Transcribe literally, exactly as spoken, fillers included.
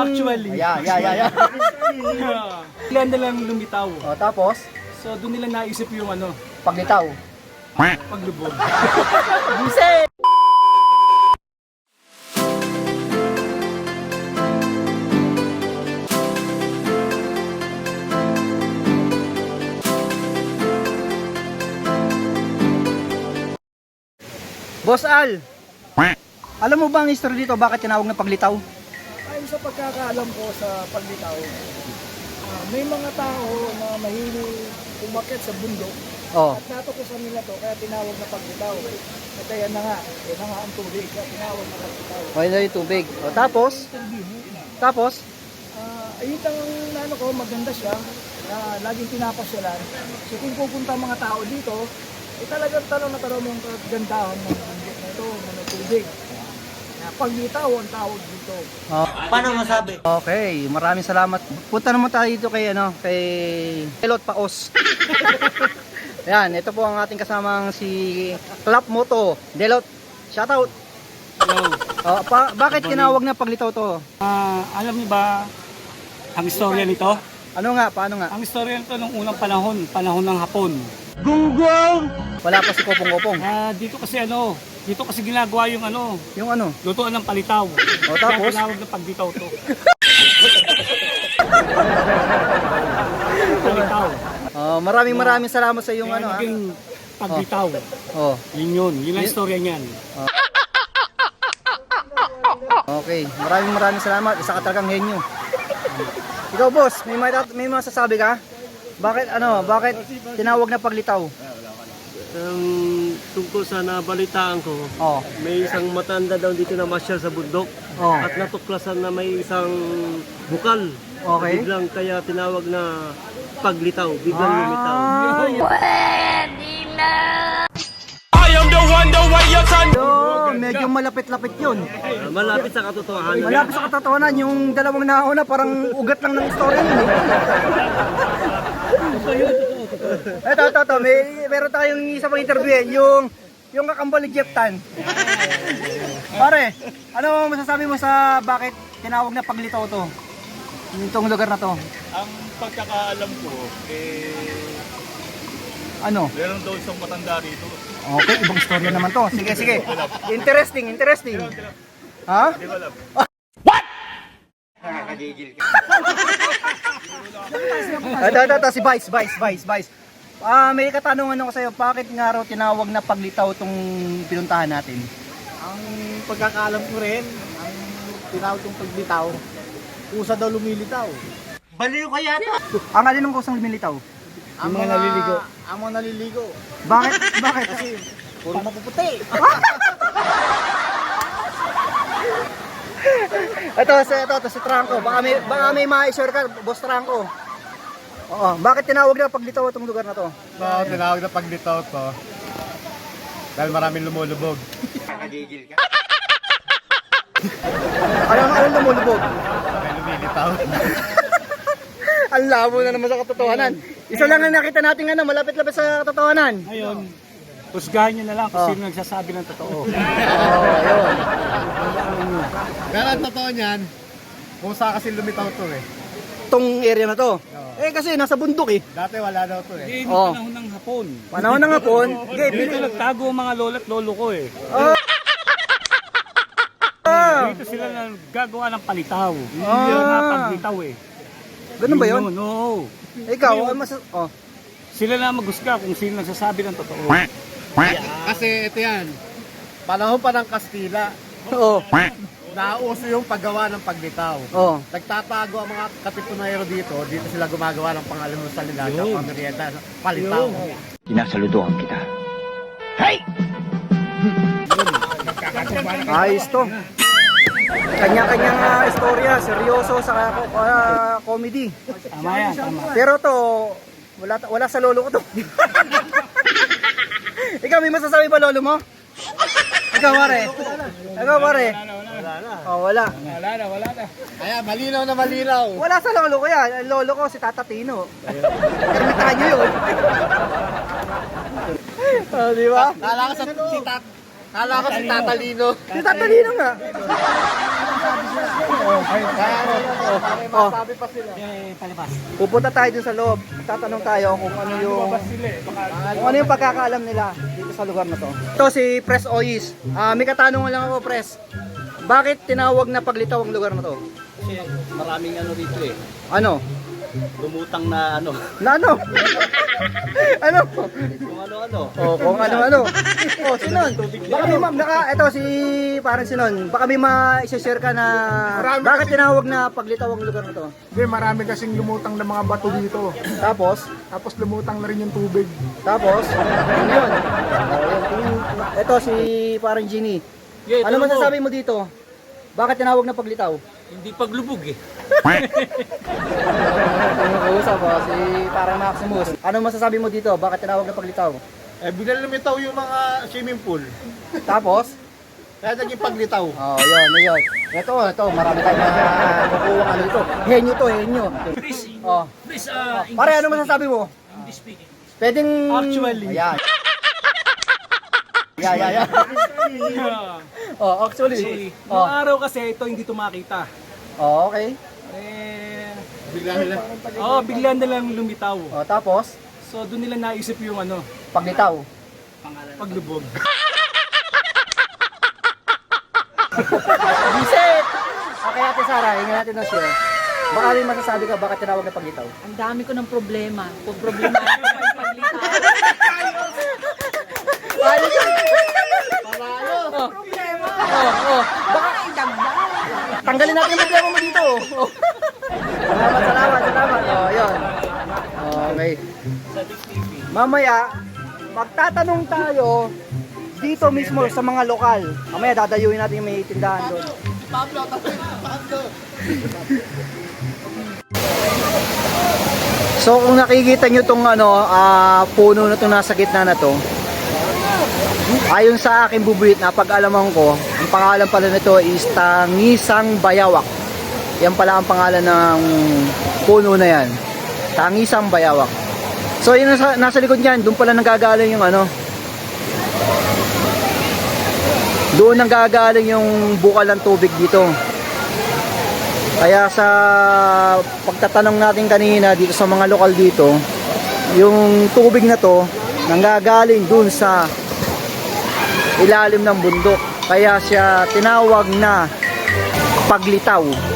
Actually. Ayan, ayan, ayan, ayan. Sila na lang lumitaw. O, tapos, So doon nila naisip yung ano, paglitaw. paglubog. Buset! Boss Al, alam mo ba ang history dito? Bakit tinawag na paglitaw? Ayon sa pagkakaalam ko sa paglitaw, ah, may mga tao na mahilig umakyat sa bundok Oh. at natukusan nila to kaya tinawag na paglitaw. At ayan na nga, yan na nga ang tubig kaya tinawag na paglitaw. Okay na yung tubig. O, tapos, tapos, Ah, ayun ang ano ko, maganda siya na laging pinapasyalan. So kung pupunta ang mga tao dito, eh talagang tanong na tanong yung kagandahan ng bundok na ito, na may tubig. Na paglitaw ang tawag dito. oh. Paano masabi? Okay, maraming salamat. Punta naman tayo dito kay ano, kay Delot Paos. Yan, ito po ang ating kasamang si Clap Moto. Delot, shoutout. Hello. Oh, pa, bakit tinawag na paglitaw to? Ah, alam niyo ba ang istorya nito? Ano nga, paano nga? Ang istorya nito nung unang panahon, panahon ng Hapon. Wala pa si Kopong-Kopong. Ah, dito kasi ano, dito kasi ginagawa yung ano, Yung ano? lutuan ng palitaw. O, tapos? Kaya tinawag na paglitaw to. Palitaw. Oh, maraming maraming salamat sa yung Kaya ano ha. naging paglitaw. Oh, Yun yun, yun ang istorya niyan. okay. Maraming maraming salamat. Isa ka talagang henyo. Ikaw boss, may may, may masasabi ka? Bakit ano, bakit tinawag na paglitaw? Um, tungkol sa nabalitaan ko, Oh. may isang matanda daw dito na masyal sa bundok Oh. at natuklasan na may isang bukal. Okay. Biglang kaya tinawag na paglitaw, biglang lumitaw. Yo, medyo malapit-lapit 'yun. Ah, malapit sa katotohanan. Malapit sa katotohanan, yung dalawang nauna parang ugat lang ng story yun eh. Ito, ito, ito, may meron tayong isa pang interview eh, yung yung kakambal ni Jeff Tan. Pare, ano masasabi mo sa bakit tinawag na paglitaw to? Itong lugar na to. Ang pagkakaalam ko, eh, Ano? meron daw isang matanda rito. Okay, ibang storya naman to. Sige, sige. Interesting, interesting. Ha? Hindi ko alam. Ito, ito, ito, si Vice, Vice, Vice, Vice. Ah, may katanungan ako sa'yo, bakit nga raw tinawag na paglitaw tong pinuntahan natin? Ang pagkakaalam ko rin, ang tinawag kong paglitaw, kusa daw lumilitaw. Baliw kaya to? Ang alin ng kusang lumilitaw? Ang mga naliligo. Ang mga naliligo. Bakit? Bakit? Kasi puro mapuputi. Ito, ito, ito, ito, si Tranco. Baka may, baka may ma-share ka, Boss Tranco. Oo, bakit tinawag na paglitaw itong lugar na to? So, tinawag na paglitaw to. Dahil maraming lumulubog. Ano ang alin lumulubog? Dahil lumilitaw. Ang labo na naman sa katotohanan. Isa lang ang nakita natin ano, malapit-lapit sa katotohanan. Ngayon, husgahan nyo na lang kung Oh. sino nagsasabi ng totoo. Oo, ayun. Pero ang totoo niyan, kung saan kasi lumitaw to eh. Itong area na to. Eh kasi nasa bundok eh. Dati wala daw to eh. Hindi, Oh. panahon ng Hapon. Panahon ng hapon. Okay, Dito bili. nagtago ang mga lola at lolo ko eh. Ah, Dito sila nagagawa ng palitaw. Ah. Yun nga paglitaw eh. ganun ba yun? Oo. Ikaw, ano mas oh. Sila na maghusga kung sino nagsasabi ng totoo. Kasi ito yan, panahon pa ng Kastila, Oo. nauso yung paggawa ng paglitaw. Oh. Nagtatago ang mga katipunero dito, dito sila gumagawa ng pangalimusal nila sa Yun. pamerienda, palitaw. Sinasaludohan kita. Ayos to. Kanya-kanyang uh, istorya, seryoso sa uh, comedy. Tama yan, tama. Pero to, wala wala sa lolo ko to. Ikaw may masasabi ba lolo mo? Ikaw pare. Ikaw pare. Wala na. Oh, wala. Wala na, wala na. Kaya malinaw na malinaw. Wala sa lolo ko yan. Ang lolo ko si Tata Tino. Ermitanyo yun. Oh, di ba? Kala ko sa si Tat, kala ko si Tatalino. Si Tata Tino nga. Oh. Pupunta tayo dun sa loob. Tatanong tayo kung ano yung kung ano yung pagkakaalam nila dito sa lugar na to. Ito si Pres Oyis. Ah, may katanungan lang ako, Pres. Bakit tinawag na Paglitaw ang lugar na to? Kasi maraming ano dito eh. Ano? Lumutang na ano. Na ano? Ano? Kung ano-ano. Oh, kung ano-ano. Oh, sinon. Baka may ma- naka, ito si parang sinon. Baka may ma-share ka na bakit tinawag na Paglitaw ang lugar na to? Hindi, marami kasing lumutang na mga bato dito. Tapos, Tapos lumutang na rin yung tubig. tapos, yun yun. Oh, yun. Ito si parang Ginny. Yeah, Ano ito masasabi mo dito? Bakit tinawag na Paglitaw? Hindi paglubog eh. Usap po, si parang Maximus. Ano masasabi mo dito? Bakit tinawag na Paglitaw? Eh, bigla lumitaw yung mga swimming pool. Tapos, Kaya naging Paglitaw. oh, yun, yun. Ito, ito, marami tayong makukuha ano dito. Henyo to, henyo. Oh. Please, uh, Pare, ano masasabi mo? English speaking. Pwedeng... Actually. Ayan. Yeah, yeah, yeah. Oh, actually. Noong Oh, araw kasi ito hindi ito makita. oh okay. Eh, Bigla nila. oh, bigla na lang lumitaw. Oh, tapos, So doon nila naisip yung ano, Paglitaw. paglubog. Visit! Okay, Ate Sara, hingin natin ng share. Baka may masasabi ka, bakit tinawag na Paglitaw? Ang dami ko ng problema. Kung problema ako pa yung paglitaw. Paano yun? Paano? Problema. Oh, oh. Baka idagdag. Tanggalin natin yung problema mo dito. Oh. Salamat, salamat, salamat. Oh, yun. Okay. Mamaya, magtatanong tayo dito mismo sa mga lokal. Mamaya dadayuin natin yung may tindahan doon. Pablo, tapos Pablo. So kung nakikita nyo itong ano, ah, puno na itong nasa gitna na to, ayon sa aking bubuit na pag-alaman ko, ang pangalan pala nito is Tangisang Bayawak. Yan pala ang pangalan ng puno na yan. Tangisang Bayawak. So yun nasa, nasa likod niyan, doon pala nanggagaling yung ano, doon nanggagaling yung bukal ng tubig dito. Kaya sa pagtatanong natin kanina dito sa mga lokal dito, yung tubig na to nanggagaling dun sa ilalim ng bundok. Kaya siya tinawag na Paglitaw.